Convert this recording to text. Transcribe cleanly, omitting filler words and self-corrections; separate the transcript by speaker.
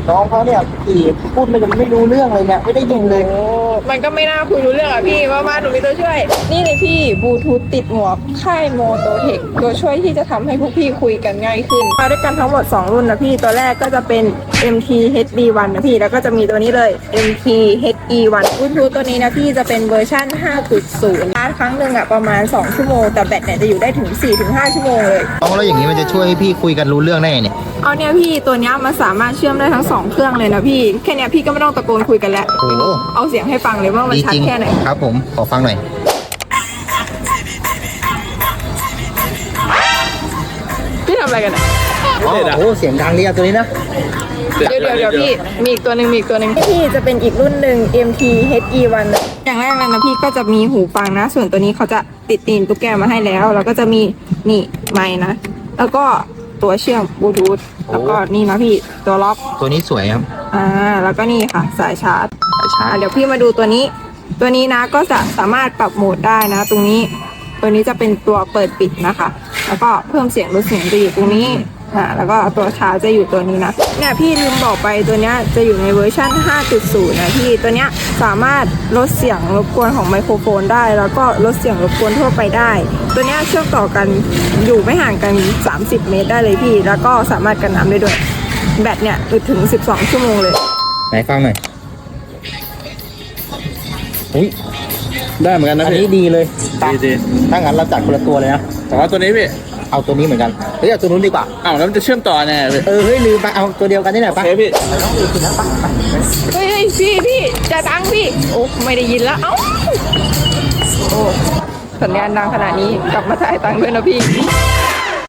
Speaker 1: น้องเขาเนี่ยพี่พูดไม่รู้เรื่องเลยเนี่ยไม่ได้ยินเลย
Speaker 2: โอ้มันก็ไม่น่าคุยรู้เรื่องอ่ะพี่มาหนูมีตัวช่วย นี่เลยพี่บลูทูธติดหมวกค่ายโมโตเทคตัวช่วยที่จะทำให้พวกพี่คุยกันง่ายขึ้นมาด้วยกันทั้งหมด2รุ่นนะพี่ตัวแรกก็จะเป็น MT HD1 นะพี่แล้วก็จะมีตัวนี้เลย MT HE1 บลูทูธตัวนี้นะพี่จะเป็นเวอร์ชั่น 5.0 ชาร์จครั้งหนึ่งอ่ะประมาณ2ชั่วโมงแต่แบตเนี่ยจะอยู่ได้ถึง 4-5 ชั่วโมงเลย
Speaker 1: น้องแล้วอย่างนี้มันจะช่วยให้พี่คุยกันรู้เรื่องได้ไงเนี่ย
Speaker 2: เอาเนี่ยพี่ตัวเนี้ยมันสามารถเชื่อมได้ทั้ง2เครื่องเลยนะพี่แค่เนี้ยพี่ก็ไม่ต้องตะโกนคุยกันแล้ว
Speaker 1: โอ้โห
Speaker 2: เอาเสียงให้ฟังเลยว่ามัน
Speaker 1: ดี
Speaker 2: ชัด
Speaker 1: จริง
Speaker 2: แค่ไหน
Speaker 1: ครับผมขอฟังหน่อย
Speaker 2: พี่ทำอะไรกันอ่ะ
Speaker 1: อ๋อโอ้โหเสียงดังดีอะตัวนี้นะ
Speaker 2: เดี๋ยวพี่มีอีกตัวหนึ่งพี่จะเป็นอีกรุ่นหนึ่ง MT HE1 อย่างแรกเลยนะพี่ก็จะมีหูฟังนะ ส่วนตัวนี้เขาจะติดตีนตุ๊กแกมาให้แล้วแล้วก็จะมีนี่ไมค์นะแล้วก็ตัวเชื่อมบลูทูธแล้วก็นี่นะพี่ตัวล็อก
Speaker 1: ตัวนี้สวยครับ
Speaker 2: แล้วก็นี่ค่ะสายชาร์จ
Speaker 1: สายชาร์จ
Speaker 2: เดี๋ยวพี่มาดูตัวนี้นะก็จะสามารถปรับโหมดได้นะ ตรงนี้ตัวนี้จะเป็นตัวเปิดปิดนะคะ แล้วก็เพิ่มเสียงลดเสียงจะอยู่ตรงนี้แล้วก็ตัวชาร์จจะอยู่ตัวนี้นะเนี่ยพี่ลืมบอกไปตัวเนี้ยจะอยู่ในเวอร์ชัน 5.0 นะพี่ตัวเนี้ยสามารถลดเสียงรบกวนของไมโครโฟนได้ แล้วก็ลดเสียงรบกวนทั่วไปได้ ตัวเนี้ยเชื่อมต่อกันอยู่ไม่ห่างกัน30 เมตรได้เลยพี่แล้วก็สามารถกันน้ำได้ด้วยแบตเนี่ยถึง12 ชั่วโมงเลย
Speaker 1: ไหนฟังหน่อยอุ้ย
Speaker 3: ได้เหมือนกันนะ
Speaker 1: อัน
Speaker 3: พี่
Speaker 1: นี้ดีเลยไป
Speaker 3: ดี
Speaker 1: ถ้างั้นเราจัดคนละตัวเลยนะ
Speaker 3: แต่ว่าตัวนี้พี่
Speaker 1: เอาตัวนี้เหมือนกันเฮ้ยเอาตัวนู้นดีกว่า
Speaker 3: อ้าวแล้วมันจะเชื่อมต่อแน่เลย
Speaker 1: เฮ้ยลืมไปเอาตัวเดียวกันนี่แหละ
Speaker 3: โอ
Speaker 1: ปะ
Speaker 3: เคพี่
Speaker 2: เฮ้ยพี่จะดังพี่โอ้ไม่ได้ยินแล้วเอ้าโอ้สัญญาณดังขนาดนี้กลับมาจ่ายตังค์ด้วยนะพี่